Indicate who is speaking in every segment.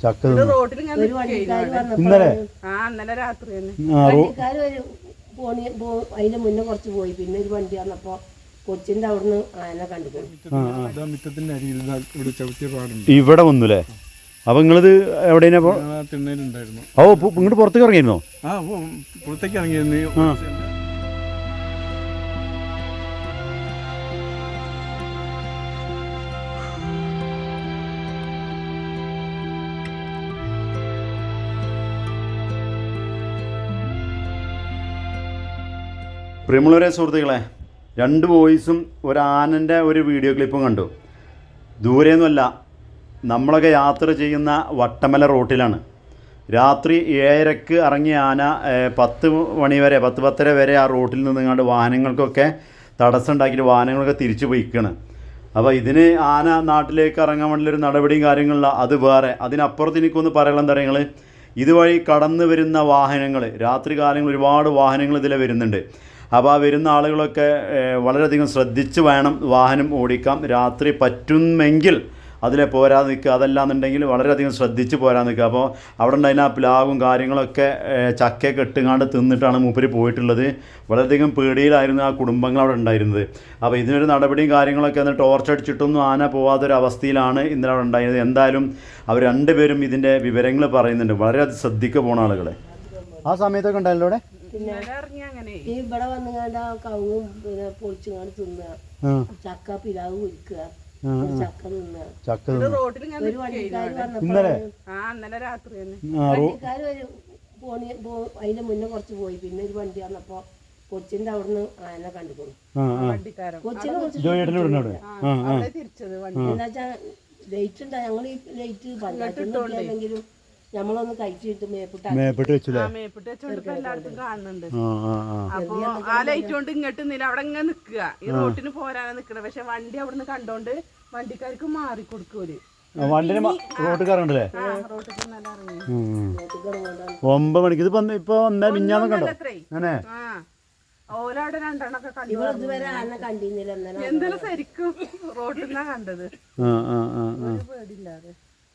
Speaker 1: ചക്ക
Speaker 2: ഇന്നലെ രാത്രി
Speaker 3: അതിന്റെ മുന്നേ കുറച്ച് പോയി. പിന്നെ ഒരു വണ്ടി വന്നപ്പോ കൊച്ചിന്റെ അവിടുന്ന് ആന കണ്ടുപോയി.
Speaker 1: ഇവിടെ വന്നുല്ലേ? അപ്പൊ നിങ്ങളിത് എവിടെയാ? ഓ ഇങ്ങോട്ട് പുറത്തേക്ക് ഇറങ്ങിയിരുന്നോ?
Speaker 4: പുറത്തേക്ക് ഇറങ്ങിയിരുന്നു.
Speaker 1: പ്രിയമുള്ളവരെ സുഹൃത്തുക്കളെ, 2 വോയിസും ഒരു ആനൻ്റെ ഒരു വീഡിയോ ക്ലിപ്പും കണ്ടു. ദൂരെയൊന്നുമല്ല, നമ്മളൊക്കെ യാത്ര ചെയ്യുന്ന വട്ടമല റോട്ടിലാണ്. രാത്രി 7:30 ഇറങ്ങിയ ആന 10 മണി വരെ 10-10:30 വരെ ആ റോട്ടിൽ നിന്നുകൊണ്ട് വാഹനങ്ങൾക്കൊക്കെ തടസ്സം ഉണ്ടാക്കിയിട്ട് വാഹനങ്ങളൊക്കെ തിരിച്ചു പോയിക്കാണ്. അപ്പോൾ ഇതിന് ആന നാട്ടിലേക്ക് ഇറങ്ങാൻ വേണ്ടിയൊരു നടപടിയും കാര്യങ്ങളില്ല, അത് വേറെ. അതിനപ്പുറത്ത് എനിക്കൊന്ന് പറയാനുള്ള എന്താ പറയുക, ഇതുവഴി കടന്നു വരുന്ന വാഹനങ്ങൾ, രാത്രി കാലങ്ങളിൽ ഒരുപാട് വാഹനങ്ങൾ ഇതിൽ വരുന്നുണ്ട്. അപ്പോൾ ആ വരുന്ന ആളുകളൊക്കെ വളരെയധികം ശ്രദ്ധിച്ച് വേണം വാഹനം ഓടിക്കാം. രാത്രി പറ്റുമെങ്കിൽ അതിലെ പോരാതെ നിൽക്കുക, അതല്ലാന്നുണ്ടെങ്കിൽ വളരെയധികം ശ്രദ്ധിച്ച് പോരാൻ നിൽക്കുക. അപ്പോൾ അവിടെ ഉണ്ടായിരുന്ന ആ പ്ലാവും കാര്യങ്ങളൊക്കെ ചക്കയൊക്കെ ഇട്ടുകാണ്ട് തിന്നിട്ടാണ് മൂപ്പര് പോയിട്ടുള്ളത്. വളരെയധികം പേടിയിലായിരുന്നു ആ കുടുംബങ്ങൾ അവിടെ ഉണ്ടായിരുന്നത്. അപ്പോൾ ഇതിനൊരു നടപടിയും കാര്യങ്ങളൊക്കെ ഒന്ന് ടോർച്ച് അടിച്ചിട്ടൊന്നും ആന പോകാത്തൊരവസ്ഥയിലാണ് ഇന്നലെ അവിടെ ഉണ്ടായിരുന്നത്. എന്തായാലും അവർ 2 പേരും ഇതിൻ്റെ വിവരങ്ങൾ പറയുന്നുണ്ട്. വളരെയധികം ശ്രദ്ധിക്കുക പോണ ആളുകളെ. ആ സമയത്തൊക്കെ ഉണ്ടായല്ലോ അവിടെ.
Speaker 3: ഈ ഇവിടെ വന്നുകാണ്ട് ആ കവുങ്ങും പിന്നെ പൊളിച്ചുകാണ്ട് തിന്നുക, ചക്ക പിലാവ് കുരിക്കുക, ചക്ക തിന്നുക. ഒരു വണ്ടിക്കാര് വന്നപ്പോ വണ്ടിക്കാര് അതിന്റെ മുന്നേ കുറച്ച് പോയി. പിന്നെ ഒരു വണ്ടി വന്നപ്പോ കൊച്ചിന്റെ അവിടുന്ന് ആന കണ്ടുപോയി. കൊച്ചിനെ എന്താച്ചാ ലൈറ്റ് ഉണ്ടാ, ഞങ്ങൾ ഈ ലൈറ്റ് പഞ്ചായത്തിലെങ്കിലും നമ്മളൊന്ന് കഴിച്ചിട്ട്
Speaker 1: മേപ്പിട്ട് വെച്ചില്ലേ?
Speaker 2: കാണുന്നുണ്ട്. അപ്പൊ ആ ലൈറ്റ് കൊണ്ട് ഇങ്ങോട്ട് അവിടെ ഇങ്ങനെ നിക്കുക, ഈ റോട്ടിന് പോരാനാ നിക്കണ. പക്ഷെ വണ്ടി അവിടുന്ന് കണ്ടോണ്ട് വണ്ടിക്കാർക്ക് മാറിക്കൊടുക്കൂല്.
Speaker 1: വണ്ടിന് റോട്ടിൽ കറണ്ടല്ലേ? 9 മണിക്ക് ഇത് ഇപ്പൊ മിഞ്ഞാന്ന് കണ്ടോ?
Speaker 2: ഓലവിടെ 2 എണ്ണൊക്കെ കണ്ടില്ല. എന്തെങ്കിലും ശരിക്കും റോട്ടിൽ നിന്നാ കണ്ടത്. പേടില്ലാതെ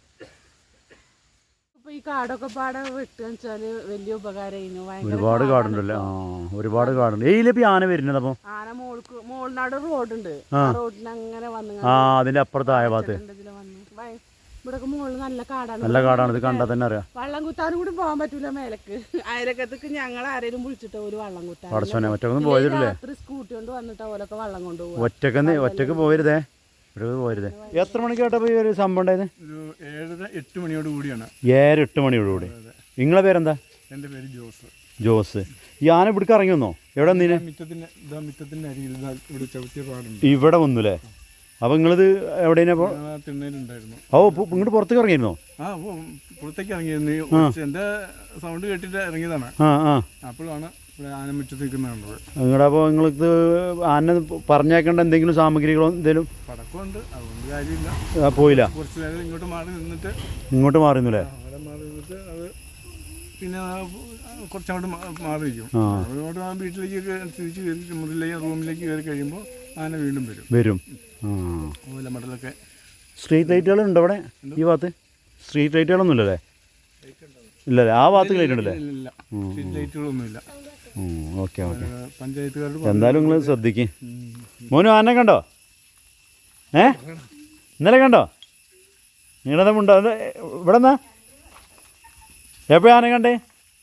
Speaker 2: ഈ കാടൊക്കെ പാടെ വെട്ടുകച്ചാല് വലിയ ഉപകാരമായിരുന്നു.
Speaker 1: ഒരുപാട് കാടുണ്ടല്ലേ? ഒരുപാട് കാടുണ്ട്. ഏയിലിപ്പോ ആന വരുന്നത്? അപ്പൊ
Speaker 2: ആന മോളിനാട് റോഡുണ്ട്, റോഡിന് അങ്ങനെ വന്നു.
Speaker 1: അതിന്റെ അപ്പുറത്തായ ഭാഗത്ത്
Speaker 2: ഇവിടെ മുകളിൽ നല്ല കാടാണ്.
Speaker 1: നല്ല കാടാണ്. ഇത് കണ്ടാൽ തന്നെ അറിയാം.
Speaker 2: വള്ളം കുത്താനും കൂടി പോകാൻ പറ്റൂല മേലക്ക്. അയലക്കത്തേക്ക് ഞങ്ങൾ ആരെങ്കിലും വിളിച്ചിട്ട് ഒരു വള്ളം കുത്താൻ.
Speaker 1: ഒറ്റക്കൊന്നും പോയതില്ലേ?
Speaker 2: സ്കൂട്ടി കൊണ്ട് വന്നിട്ട് ഓലൊക്കെ വള്ളം കൊണ്ടുപോകും.
Speaker 1: ഒറ്റക്ക് പോയരുതേ, പോരുതേ. എത്ര മണിക്കാട്ടോ ഈ ഒരു സംഭവം ഉണ്ടായത്?
Speaker 4: 7-8 മണിയോട് കൂടിയാണ്.
Speaker 1: 7-8 മണിയോടുകൂടി. നിങ്ങളെ പേരെന്താ?
Speaker 4: എൻ്റെ പേര് ജോസ്.
Speaker 1: ജോസ്. ഈ ആന ഇവിടേക്ക് ഇറങ്ങി വന്നോ? എവിടെ വന്നീനെ?
Speaker 4: മിറ്റത്തിന്റെ അരികിൽ ഇവിടെ ചവിട്ടിയ പാടുണ്ട്.
Speaker 1: ഇവിടെ വന്നുല്ലേ? അപ്പൊ നിങ്ങളിത് എവിടെയാ?
Speaker 4: തിണ്ണയിലുണ്ടായിരുന്നു.
Speaker 1: ഓ ഇങ്ങോട്ട് പുറത്തേക്ക് ഇറങ്ങിയിരുന്നോ?
Speaker 4: പുറത്തേക്ക് ഇറങ്ങിയിരുന്നു. എന്റെ സൗണ്ട് കേട്ടിട്ട് ഇറങ്ങിയതാണ്. അപ്പോഴാണ് ആനമുറ്റത്ത് നിൽക്കുന്നത്.
Speaker 1: നിങ്ങളുടെ അപ്പോൾ നിങ്ങൾക്ക് ആന പറഞ്ഞേക്കേണ്ട എന്തെങ്കിലും സാമഗ്രികളോ എന്തെങ്കിലും?
Speaker 4: പടക്കമുണ്ട്, അതുകൊണ്ട് കാര്യമില്ല.
Speaker 1: പോയില്ല.
Speaker 4: കുറച്ച് നേരം ഇങ്ങോട്ട് മാറി നിന്നിട്ട്.
Speaker 1: ഇങ്ങോട്ട് മാറിയുന്നില്ലേ?
Speaker 4: അവിടെ മാറി നിന്നിട്ട് അത് പിന്നെ കുറച്ചങ്ങോട്ട് മാറിയിരിക്കും. അതുകൊണ്ട് ആ വീട്ടിലേക്ക് തിരിച്ച് കയറി മുറിയിലേക്ക് റൂമിലേക്ക് കയറി കഴിയുമ്പോൾ ആന വീണ്ടും വരും. മടലൊക്കെ.
Speaker 1: സ്ട്രീറ്റ് ലൈറ്റുകളുണ്ടോ അവിടെ ഈ ഭാഗത്ത്? സ്ട്രീറ്റ് ലൈറ്റുകളൊന്നും ഇല്ലല്ലേ? ഇല്ലല്ലേ? ആ ഭാഗത്ത് ലൈറ്റ് ഉണ്ടല്ലേ?
Speaker 4: സ്ട്രീറ്റ് ലൈറ്റുകളൊന്നുമില്ല.
Speaker 1: Okay okay. പഞ്ചായത്തുകാരുടെ എന്തായാലും നിങ്ങൾ ശ്രദ്ധിക്കും. മോനു ആനെ കണ്ടോ? ഇന്നലെ കണ്ടോ? നിങ്ങളെന്താ ഉണ്ടോ? ഇവിടെ എന്നാ എപ്പോഴാണ് ആന കണ്ടേ?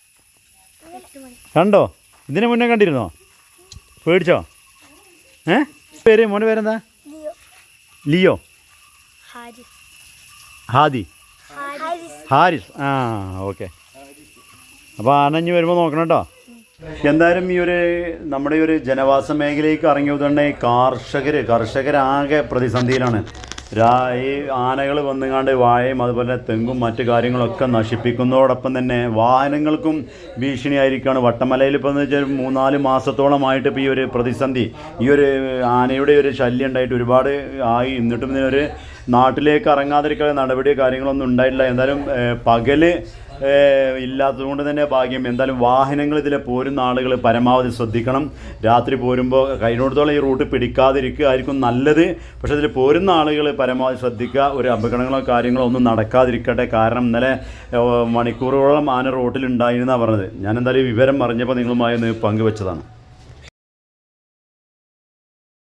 Speaker 1: കണ്ടോ? ഇതിന് മുന്നേ കണ്ടിരുന്നോ? പേടിച്ചോ? പേര് മോൻ്റെ പേരെന്താ? ലിയോ? ഹാദി? ഹാരിസ്. ഓക്കെ. അപ്പോൾ ആനഞ്ഞ് വരുമ്പോൾ നോക്കണം കേട്ടോ. എന്തായാലും ഈ ഒരു നമ്മുടെ ഈ ഒരു ജനവാസ മേഖലയിലേക്ക് ഇറങ്ങിയ തന്നെ കർഷകരാകെ പ്രതിസന്ധിയിലാണ്. ഈ ആനകൾ വന്നുകാണ്ട് വാഴയും അതുപോലെ തെങ്ങും മറ്റു കാര്യങ്ങളൊക്കെ നശിപ്പിക്കുന്നതോടൊപ്പം തന്നെ വാഹനങ്ങൾക്കും ഭീഷണിയായിരിക്കുകയാണ്. വട്ടമലയിൽ ഇപ്പോൾ എന്ന് വെച്ചാൽ 3-4 മാസത്തോളമായിട്ട് ഇപ്പോൾ ഈ ഒരു പ്രതിസന്ധി, ഈ ഒരു ആനയുടെ ഒരു ശല്യം ഉണ്ടായിട്ട് ഒരുപാട് ആയി. എന്നിട്ടും ഇതിനൊരു നാട്ടിലേക്ക് ഇറങ്ങാതിരിക്കാനുള്ള നടപടിയോ കാര്യങ്ങളൊന്നും ഉണ്ടായിട്ടില്ല. എന്തായാലും പകല് ഇല്ലാത്തതുകൊണ്ട് തന്നെ ഭാഗ്യം. എന്തായാലും വാഹനങ്ങൾ ഇതിൽ പോരുന്ന ആളുകൾ പരമാവധി ശ്രദ്ധിക്കണം. രാത്രി പോരുമ്പോൾ കഴിഞ്ഞിടത്തോളം ഈ റൂട്ട് പിടിക്കാതിരിക്കുക ആയിരിക്കും നല്ലത്. പക്ഷേ ഇതിൽ പോരുന്ന ആളുകൾ പരമാവധി ശ്രദ്ധിക്കുക. ഒരു അപകടങ്ങളോ കാര്യങ്ങളോ ഒന്നും നടക്കാതിരിക്കട്ടെ. കാരണം ഇന്നലെ മണിക്കൂറുകളോളം ആന റോട്ടിലുണ്ടായിരുന്നാണ് പറഞ്ഞത്. ഞാൻ എന്തായാലും വിവരം അറിഞ്ഞപ്പോൾ നിങ്ങളുമായി ഒന്ന് പങ്കുവെച്ചതാണ്.